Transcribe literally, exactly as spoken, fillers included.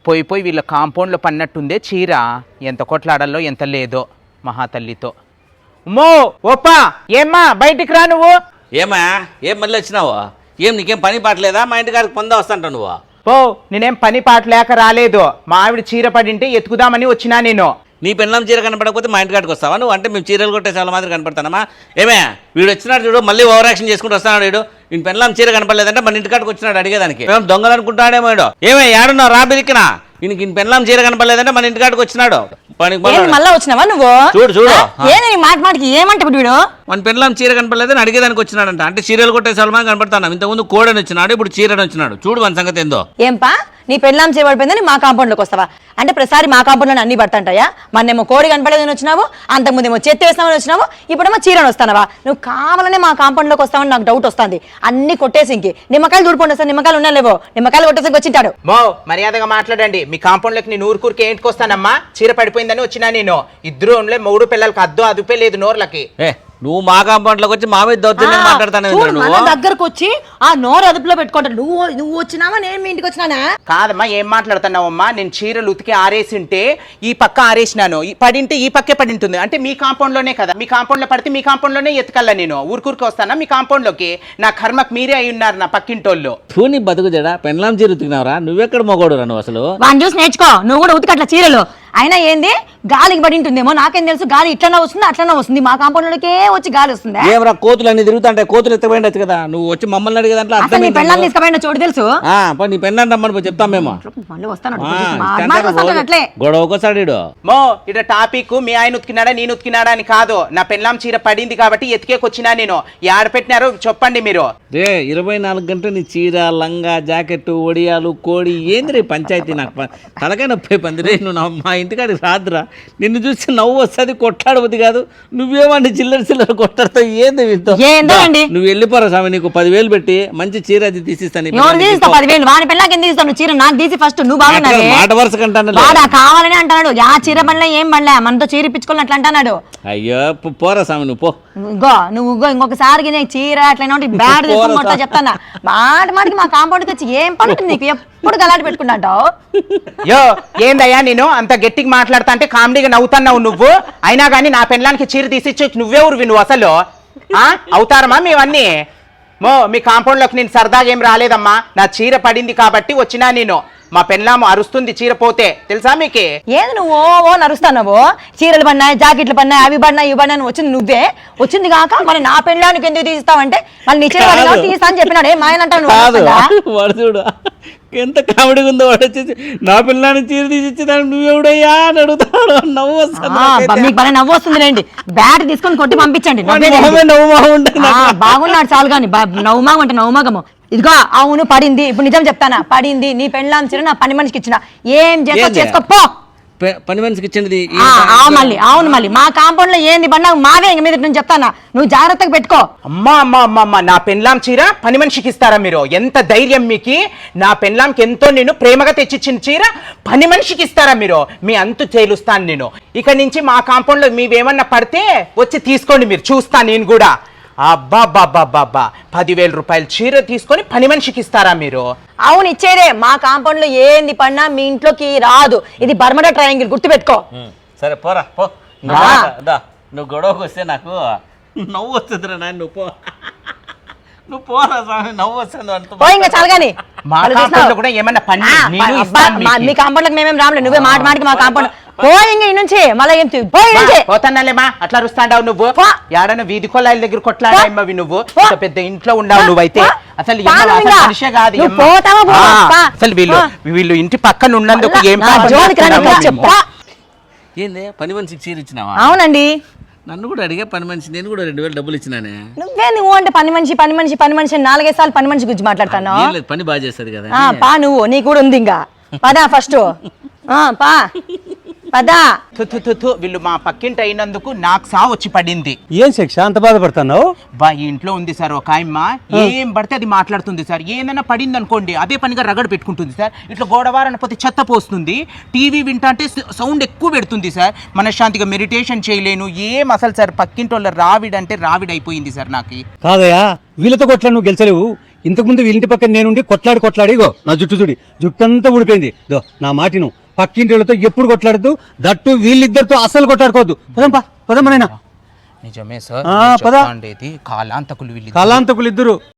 పోయి పోయి వీళ్ళ కాంపౌండ్లో పన్నట్టుందే చీర. ఎంత కొట్లాడాలో ఎంత లేదో మహాతల్లితో. ఉమ్మో ఓప్పా ఏమ్మా బయటికి రా నువ్వు. ఏమా ఏం మళ్ళీ వచ్చినావు? ఏం నీకేం పని పాటలేదా? మా ఇంటికాడికి పొందా వస్తాంట నువ్వు. పో, నేనేం పని పాట లేక రాలేదు. మా ఆవిడ చీర పడింటే ఎత్తుకుదామని వచ్చినా నేను. నీ పెళ్ళం చీర కనపడకపోతే మా ఇంటికాడికి వస్తావా నువ్వు? అంటే మేము చీరలు కొట్టే చాలా మాదిరి కనపడతానమ్మా. ఏమే వీడు వచ్చినాడు చూడు, మళ్ళీ ఓవర్ యాక్షన్ చేసుకుంటూ వస్తున్నాడు వీడు. నేను పెళ్ళం చీర కనపడలేదంటే మన ఇంటికాడికి వచ్చినాడు అడిగేదానికి. మేము దొంగలు అనుకుంటాడేమో వీడు. ఏమే ఏడున్నావు రా బిరికినా? ఈయనకి పెళ్ళం చీర కనపడలేదంటే మన ఇంటికాడికి వచ్చినాడు. మళ్ళా వచ్చినావా నువ్వు? చూడు చూడు ఏది మాట మాటకి ఏమంటే వీడు మన పెళ్ళం చీర కనపడలేదని అడిగేదానికి వచ్చినాడంట. అంటే చీరలు కొట్టే చాలా మంది కనపడతాను. ఇంతకుముందు కోడని వచ్చినాడు, ఇప్పుడు చీరని వచ్చినాడు. చూడు మన సంగతి ఏందో. ఏంపా నీ పెళ్ళాం చేయబడిపోయిందని మా కాంపౌండ్ లోకి వస్తావా? అంటే ప్రతిసారి మా కాంపౌండ్ లో అన్ని పడతాంటాయా? మొన్నేమో కోడి కనపడలేదని వచ్చినావు, అంతకుముందేమో చెత్త వేస్తామని వచ్చినావు, ఇప్పుడేమో చీరని వస్తానవా? నువ్వు కావాలనే మా కాంపౌండ్ లోకి వస్తావని నాకు డౌట్ వస్తుంది. అన్ని కొట్టేసి ఇంకి నిమ్మకాయలు దూడిపోండి సార్. నిమ్మకాయలు ఉన్నా లేవో? నిమ్మకాయలు కొట్టేసి వచ్చింటాడు. మో మర్యాదగా మాట్లాడండి. మీ కాంపౌండ్ లోకి నేను ఊరుకూరికి ఏంటికొస్తానమ్మా? చీర పడిపోయిందని వచ్చినా నేను. ఇద్దరు మూడు పిల్లలకి అద్దు అదుపే లేదు నోర్లకి. నువ్వు మా కాంపౌండ్ లోకి వచ్చి మా మీద దౌర్జన్యం మాట్లాడతాను. దగ్గరకు వచ్చి ఆ నోరు అదుపులో పెట్టుకుంటాడు. నువ్వు నువ్వు వచ్చినావా నేను మీ ఇంటికి వచ్చినానా? కాదమ్మా, ఏం మాట్లాడుతున్నావమ్మా? నేను చీరలు ఉతికి ఆరేసింటే ఈ పక్క ఆరేసినాను, పడింటే ఈ పక్కే పడి ఉంటుంది. అంటే మీ కాంపౌండ్ లోనే కదా. మీ కాంపౌండ్ లో పడితే మీ కాంపౌండ్ లోనే ఎత్తుకల్లా నేను. ఊరుకూరికి వస్తానా మీ కాంపౌండ్ లోకి? నా కర్మకు మీరే అయి ఉన్నారు నా పక్కింటోళ్ళు. నీ బతుకు జడా పెళ్ళాం చీర ఉతికినావురా? నువ్వెక్కడ మొగోడు రా నువ్వు అసలు? వాడిని చూసి నేర్చుకో నువ్వు కూడా ఉతికట్ల చీరలు. అయినా ఏంది గాలికి పడి ఉంటుందేమో, నాకేం తెలుసు. గాలి ఇట్లనే వస్తుంది అట్లనే వస్తుంది. మా కాంపౌండ్ లోకే వచ్చి గాలి వస్తుంది. ఏమరా కోతులు అన్ని తిరుగుతుంటే కోతులు ఎత్తపోయిండొచ్చు కదా. నువ్వు వచ్చి మమ్మల్ని అడిగే దాంట్లో అసలు నీ పెళ్ళాన్ని తీసుకుపోయిన చోటు తెలుసు. నీ పెళ్ళాన్ని రమ్మని చెప్తాం మేము. మళ్ళీ వస్తాను అట్లే గొడవ ఒకసారి. మో ఇట టాపిక్ మీ ఆయన ఉతికినాడా నేను ఉతికినాడా అని కాదు. నా పెళ్ళాం చీర పడింది కాబట్టి ఎతికేకొచ్చినా నేను. యాడ పెట్టినారో చెప్పండి మీరు. రే ఇరవై నాలుగు గంటలు నీ చీర లంగా జాకెట్ ఒడియాలు కోడి ఏంది రే పంచాయతీ? నాకు తలకాయ నొప్పి పంది రే. నువ్వు మా ఇంటికాడికి రాదురా. నిన్ను చూసి నవ్వు వస్తుంది, కొట్లాడబుద్ది కాదు. నువ్వేమండి చిల్లర చిల్లర కొట్టాడుతో ఏంది వీటితో? నువ్వు వెళ్ళిపోరా స్వామి. నీకు పదివేలు పెట్టి మంచి చీర అది తీసిస్తాను. పదివేలు వాని పెళ్ళాకి ఎందుకు ఇస్తాను? చీర నాకు తీసి ఫస్ట్. నువ్వు బాగున్నావు మాట వరుస కంటాను. కావాలని అంటున్నాడు. ఆ చీర పనిలో ఏం పడలే, మనతో చీర ఇప్పించుకోవాలి అట్లా అంటున్నాడు. అయ్యో పోరా స్వామి నువ్వు పో. ఇంకో నువ్వు ఇంకొకసారి చీర అట్లా బ్యాడ్ తీసుకుంటా చెప్తానా? మాట మాటికి మా కాంపౌండ్కి వచ్చి ఏం పడుతుంది నీకు? ఎప్పుడు గలాటి పెట్టుకుంటావు? యో ఏందయ్యా నేను అంత గట్టిగా మాట్లాడతా అంటే కామెడీగా నవ్వుతున్నావు నువ్వు. అయినా కానీ నా పెళ్ళానికి చీర తీసిచ్చి నువ్వే ఊరు నువ్వు అసలు అవుతారమ్మా మేవన్నీ? మో మీ కాంపౌండ్ లోకి నేను సరదాగా ఏం రాలేదమ్మా. నా చీర పడింది కాబట్టి వచ్చినా నేను. మా పెళ్ళాము అరుస్తుంది చీర పోతే, తెలుసా మీకే? ఏది నువ్వు ఓ నరుస్తావు? చీరలు పడినాయి, జాకెట్లు పడినాయి, అవి పడినాయి ఇవి పడినాయి వచ్చింది నువ్వే. వచ్చింది కాక మరి నా పెళ్ళానికి ఎందుకు తీస్తావంటే మళ్ళీ నీ చీర తీస్తా అని చెప్పినాడు. ఏం ఆయన అంటావు? ఎంత కామెడీగా ఉందో. వాడు వచ్చేసి నా పిల్లని చీర తీసిచ్చేదాన్ని నువ్వెవడయ్యా అని అడుగుతాడు. నవ్వు వస్తుంది. మీకు బాగా నవ్వు వస్తుంది రండి. బ్యాట్ తీసుకొని కొట్టి పంపించండి. బాగున్నాడు చాలు కానీ నవ్వుమాగం అంటే నవ్వుమాగము. ఇదిగో అవును పడింది. ఇప్పుడు నిజం చెప్తానా? పడింది. నీ పెళ్ళాం చీర నా పని మనిషికి ఇచ్చిన. ఏం చేస్తా చేసుకోపో. పని మనిషికి ఇచ్చింది మళ్ళీ అవును మళ్ళీ మా కాంపౌండ్ లో ఏంది పడినా మావే ఇంక మీద నేను చెప్తానా? నువ్వు జాగ్రత్తగా పెట్టుకో. అమ్మా అమ్మా అమ్మ అమ్మ నా పెళ్ళాం చీర పని మనిషికి ఇస్తారా మీరు? ఎంత ధైర్యం మీకు? నా పెళ్ళాంకి ఎంతో నేను ప్రేమగా తెచ్చిచ్చిన చీర పని మనిషికి ఇస్తారా మీరు? మీ అంతు తేలుస్తాను నేను. ఇక నుంచి మా కాంపౌండ్ లో మీవేమన్నా పడితే వచ్చి తీసుకోండి మీరు. చూస్తా నేను కూడా. అబ్బా బాబా బాబా పదివేల రూపాయలు చీర తీసుకొని పని మనిషికి ఇస్తారా మీరు? అవును ఇచ్చేదే. మా కాంపౌండ్ లో ఏంది పడినా మీ ఇంట్లోకి రాదు. ఇది బర్మడా ట్రయాంగిల్, గుర్తుపెట్టుకో. సరే పోరా పో. నువ్వు గొడవకు వస్తే నాకు నవ్వు వస్తుంది రా. నువ్వు పో నువ్వు పోరా స్వామి. నవ్వు వస్తుంది ఇంకా చాలు కానీ. మీ కాంపౌండ్ లో మేమేం రాములే. నువ్వే మాట మాటికి మా కాంపౌండ్ పోయి నుంచి మళ్ళీ ఏం పోతానాలేమా? అట్లా రుస్తాండావు నువ్వు. ఏడన్నా వీధి కొలాయిల దగ్గర కొట్లాడమ్మవి నువ్వు. పెద్ద ఇంట్లో ఉండవు నువ్వైతే. అసలు మనిషే కాదు. అసలు వీళ్ళు వీళ్ళు ఇంటి పక్కన ఉన్నందుకు ఏం ఏంది పని మనిషికి చీర ఇచ్చినావా? అవునండి. నన్ను కూడా అడిగే పని మనిషి. నేను కూడా రెండు వేలు డబ్బులు ఇచ్చినానే. నువ్వే నువ్వు అంటే పని మనిషి పని మనిషి పని మనిషి నాలుగైదు సార్లు పని మనిషి గురించి మాట్లాడతాను. పని బాగా చేస్తుంది కదా. పా నువ్వు నీ కూడా ఉంది ఇంకా. పదా ఫస్ట్ పా పదా. వీళ్ళు మా పక్కింటి అయినందుకు నాకు సా వచ్చి పడింది. ఏం శిక్ష అంత బాధపడుతున్నావు? బా ఈ ఇంట్లో ఉంది సార్ ఒక ఆయమ్మ. ఏం పడితే అది మాట్లాడుతుంది సార్. ఏదైనా పడింది అనుకోండి అదే పనిగా రగడ పెట్టుకుంటుంది సార్. ఇట్లా గోడవారని పోతే చెత్త పోస్తుంది. టీవీ వింటా అంటే సౌండ్ ఎక్కువ పెడుతుంది సార్. మనశ్శాంతిగా మెడిటేషన్ చేయలేను. ఏం అసలు సార్ పక్కింటి వాళ్ళ రావిడంటే రావిడైపోయింది సార్ నాకు. కాదయా వీళ్ళతో కొట్లా నువ్వు గెలిచలేవు. ఇంతకుముందు వీళ్ళింటి పక్కన నేనుండి కొట్లాడి కొట్లాడి ఇగో నా జుట్టు చూడి జుట్టు అంతా ఊడిపోయింది దో నా మాటిను పక్కింటి వాళ్ళతో ఎప్పుడు కొట్లాడద్దు దట్టు వీళ్ళిద్దరితో అస్సలు కొట్లాడుకోవద్దు పదంపా పదమ్మనైనా నిజమే సార్ ఆ, పద. ఉండేది కాలాంతకులు వీళ్ళు కాలాంతకులు ఇద్దరు